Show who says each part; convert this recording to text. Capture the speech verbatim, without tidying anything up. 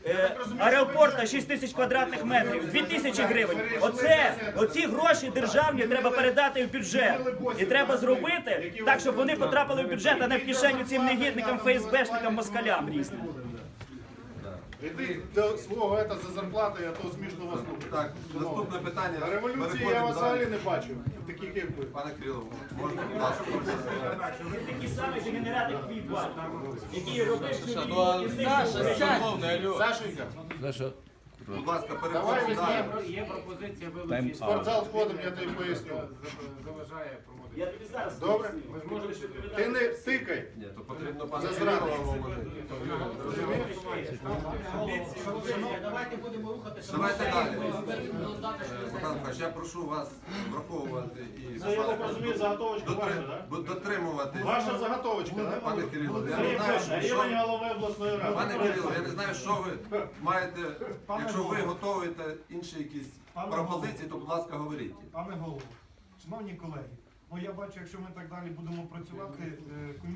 Speaker 1: е, аеропорта шість тисяч квадратних метрів, дві тисячі гривень. Оце, оці гроші державні треба передати в бюджет. І треба зробити так, щоб вони потрапили в бюджет, а не в кишеню цим негідникам, ФСБшникам, москалям різним.
Speaker 2: І ти до свого ета за зарплату, а то смішно вас слухати.
Speaker 3: Так, наступне питання.
Speaker 2: На революції я
Speaker 3: Переходимо
Speaker 2: вас
Speaker 3: далі.
Speaker 2: взагалі не бачив, таких як ви.
Speaker 3: Пане Кирило, можна, будь ласка,
Speaker 1: Ви такі самі дегенерати, як твій батько, який робив цю
Speaker 4: Ну,
Speaker 1: війну
Speaker 4: а
Speaker 1: і
Speaker 4: Саша, шановний, алло.
Speaker 2: Сашенька,
Speaker 3: будь ласка,
Speaker 2: давай
Speaker 3: переходимо далі.
Speaker 2: візьмемо.
Speaker 5: Є пропозиція вилучити.
Speaker 2: В спортзал входимо, я тобі поясню.
Speaker 5: Заважає проводити.
Speaker 1: Я тобі зараз
Speaker 2: Добре?
Speaker 1: поясню.
Speaker 5: Можете
Speaker 2: Ти не тикай.
Speaker 3: Ні, то потрібно пане
Speaker 2: За
Speaker 3: Кирило
Speaker 2: зраду.
Speaker 3: говорити.
Speaker 1: Давайте будемо рухатися.
Speaker 3: Давайте далі. Богдан Михайлович, я прошу вас враховувати і
Speaker 2: Це, я так розумію, заготовочка ваша,
Speaker 3: дотри-
Speaker 2: так?
Speaker 3: бу- дотримуватись.
Speaker 2: Ваша заготовочка, так?
Speaker 3: Пане Кирило, я
Speaker 2: Сергій
Speaker 3: не знаю,
Speaker 2: Миколаївич,
Speaker 3: що...
Speaker 2: рівень голови обласної ради.
Speaker 3: Пане Кирило, я не знаю, що ви маєте, якщо ви готуєте інші якісь пропозиції, то, будь ласка, говоріть.
Speaker 6: Пане голово, шановні колеги, ну я бачу, якщо ми так далі будемо працювати, е,